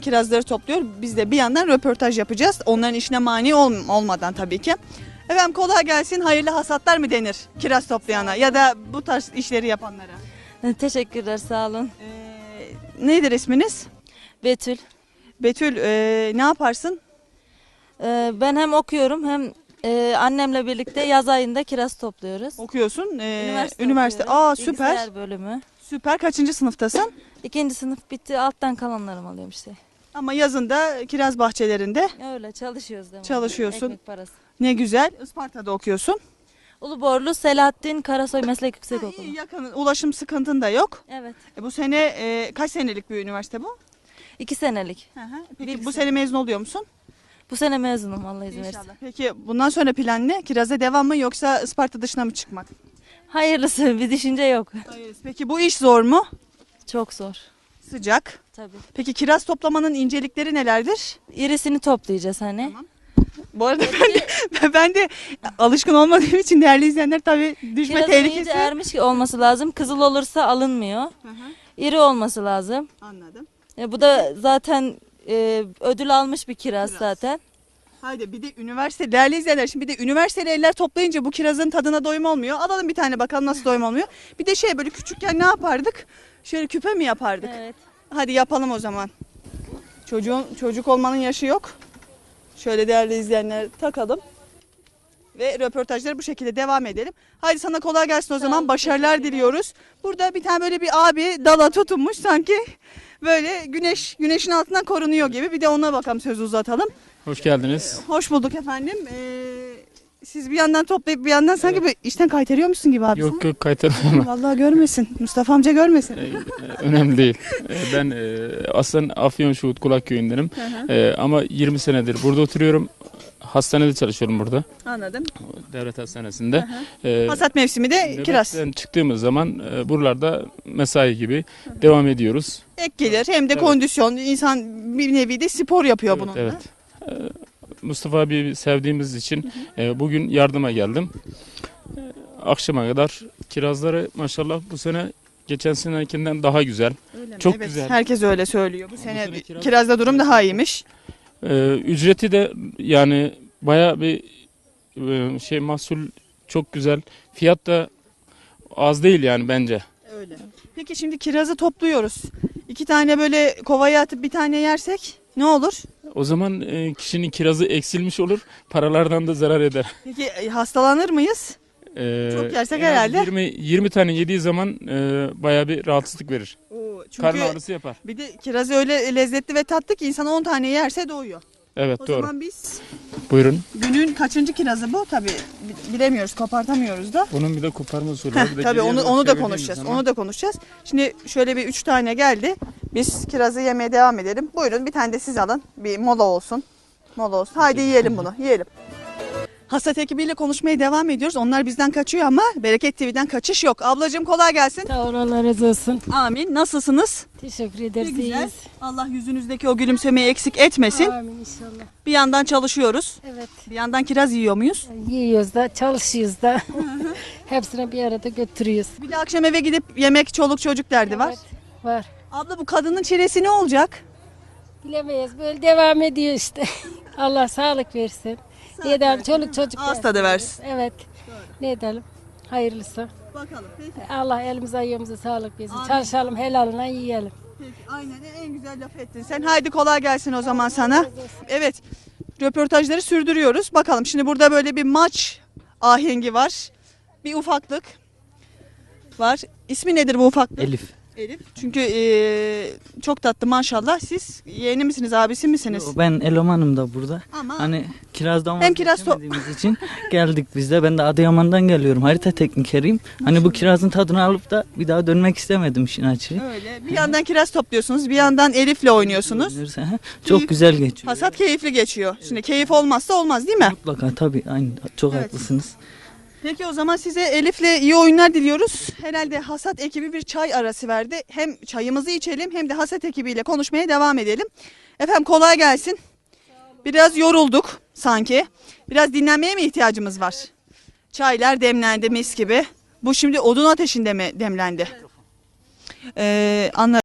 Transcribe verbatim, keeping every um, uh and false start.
Kirazları topluyor. Biz de bir yandan röportaj yapacağız. Onların işine mani ol olmadan tabii ki. Efendim kolay gelsin. Hayırlı hasatlar mı denir kiraz toplayana ya da bu tarz işleri yapanlara? Teşekkürler, sağ olun. Ee, nedir isminiz? Betül. Betül, e, ne yaparsın? Ee, ben hem okuyorum hem e, annemle birlikte yaz ayında kiraz topluyoruz. Okuyorsun. Ee, Üniversite, üniversite. okuyorum. Aa süper. Bilgisayar bölümü. Süper. Kaçıncı sınıftasın? İkinci sınıf bitti, alttan kalanlarım alıyorum işte. Ama yazında kiraz bahçelerinde Öyle çalışıyoruz değil mi? çalışıyorsun. Ekmek parası. Ne güzel. Isparta'da okuyorsun. Uluborlu Selahattin Karasoy Meslek Ha, Yüksekokulu. iyi, yakın. Ulaşım sıkıntın da yok. Evet. E, bu sene e, kaç senelik bir üniversite bu? İki senelik. Hı hı. Peki Bir bu sene. sene mezun oluyor musun? Bu sene mezunum, Allah izin verirse. İnşallah. Peki bundan sonra plan ne? Kiraza devam mı yoksa Isparta dışına mı çıkmak? Hayırlısı, bir düşünce yok. Hayır. Peki bu iş zor mu? Çok zor. Sıcak. Tabii. Peki kiraz toplamanın incelikleri nelerdir? İrisini toplayacağız hani. Tamam. Bu arada ben de, ben de alışkın olmadığım için değerli izleyenler tabii düşme Kirazın tehlikesi. iyice ermiş olması lazım. Kızıl olursa alınmıyor. Hı hı, İri olması lazım. anladım. E, bu da zaten e, ödül almış bir kiraz, Kiraz. zaten. Haydi bir de üniversite değerli izleyenler şimdi bir de üniversiteli eller toplayınca bu kirazın tadına doyum olmuyor. Alalım bir tane bakalım nasıl doyum olmuyor. Bir de şey böyle küçükken ne yapardık? Şöyle küpe mi yapardık? Evet. Hadi yapalım o zaman. Çocuğun çocuk olmanın yaşı yok. Şöyle değerli izleyenler takalım. Ve röportajlara bu şekilde devam edelim. Haydi sana kolay gelsin o zaman. olun, Başarılar teşekkürler. diliyoruz. Burada bir tane böyle bir abi dala tutunmuş sanki böyle güneş güneşin altından korunuyor gibi. Bir de ona bakalım sözü uzatalım. Hoş geldiniz. Hoş bulduk efendim. Ee, siz bir yandan toplayıp bir yandan sanki bir işten kaytarıyormuşsun gibi abi. Yok yok kaytarmam. Vallahi görmesin. Mustafa amca görmesin. Ee, Önemli değil. Ee, Ben e, aslında Afyonşehir Kulak köyündenim. Ee, ama yirmi senedir burada oturuyorum. Hastanede çalışıyorum burada. Anladım. Devlet hastanesinde. Ee, Hasat mevsimi de kiraz. nöbetten çıktığımız zaman e, buralarda mesai gibi devam ediyoruz. Ek gelir hem de Evet. kondisyon. İnsan bir nevi de spor yapıyor Evet, bununla. evet. Ee, Mustafa abi sevdiğimiz için e, bugün yardıma geldim. Ee, Akşama kadar kirazları maşallah bu sene geçen senekinden daha güzel. Öyle mi? Çok Evet, güzel. herkes öyle söylüyor. Bu Bu sene, sene kiraz- kirazda durum daha iyiymiş. Ee, ücreti de yani baya bir e, şey mahsul çok güzel. Fiyat da az değil yani bence. Öyle. Peki şimdi kirazı topluyoruz. İki tane böyle kovaya atıp bir tane yersek ne olur? O zaman e, kişinin kirazı eksilmiş olur. Paralardan da zarar eder. Peki e, hastalanır mıyız? Ee, Çok yersek en az herhalde. yirmi yirmi tane yediği zaman e, baya bir rahatsızlık verir. Çünkü Karın ağrısı yapar. bir de kiraz öyle lezzetli ve tatlı ki insan on tane yerse doyuyor. Evet O doğru. zaman biz Buyurun. günün kaçıncı kirazı bu? Tabii bi- bilemiyoruz, kopartamıyoruz da. Bunun bir de koparma usulü Heh, var. Bir de tabii geriye onu doğru onu da çevirdiğimiz konuşacağız. zaman- Onu da konuşacağız. Şimdi şöyle bir üç tane geldi. Biz kirazı yemeye devam edelim. Buyurun bir tane de siz alın. Bir mola olsun. Mola olsun. Haydi yiyelim bunu. Yiyelim. Hasat ekibiyle konuşmaya devam ediyoruz. Onlar bizden kaçıyor ama Bereket T V'den kaçış yok. Ablacığım kolay gelsin. Sağ ol, Allah razı olsun. Amin. Nasılsınız? Teşekkür Ne ederiz. güzel. iyiyiz. Allah yüzünüzdeki o gülümsemeyi eksik etmesin. Amin inşallah. Bir yandan çalışıyoruz. Evet. Bir yandan kiraz yiyor muyuz? Yiyoruz da, çalışıyoruz da. Hepsini bir arada götürüyoruz. Bir de akşam eve gidip yemek, çoluk çocuk derdi var. Evet, var. Abla bu kadının çilesi ne olacak? Bilemeyiz. Böyle devam ediyor işte. Allah sağlık versin. Ne edelim? Çoluk çocuk Ağız tadı versin. Evet. Ne edelim? Hayırlısı. Bakalım. Peki. Allah elimize ayağımıza sağlık versin. Amin. Çalışalım, helalına yiyelim. Peki. Aynen en güzel laf ettin. Sen haydi kolay gelsin o zaman sana. Evet. Röportajları sürdürüyoruz. Bakalım şimdi burada böyle bir maç ahengi var. Bir ufaklık var. İsmi nedir bu ufaklık? Elif. Elif. Çünkü eee, çok tatlı maşallah. Siz yeğeni misiniz, abisi misiniz? Ben elemanım da burada. Ama Hani kirazdan Hem kiraz to- vazgeçemediğimiz için geldik biz de. Ben de Adıyaman'dan geliyorum. Harita teknikeriyim. Hani bu kirazın tadını alıp da bir daha dönmek istemedim işin açığı. öyle. Bir yandan kiraz topluyorsunuz, bir yandan Elif'le oynuyorsunuz. Hı hı. Çok güzel geçiyor. Hasat keyifli geçiyor. Şimdi keyif olmazsa olmaz değil mi? Mutlaka tabii. Aynı. Çok Evet. haklısınız. Peki o zaman size Elif'le iyi oyunlar diliyoruz. Herhalde hasat ekibi bir çay arası verdi. Hem çayımızı içelim hem de hasat ekibiyle konuşmaya devam edelim. Efendim kolay gelsin. Biraz yorulduk sanki. Biraz dinlenmeye mi ihtiyacımız var? Çaylar demlendi mis gibi. Bu şimdi odun ateşinde mi demlendi? Ee, anladım.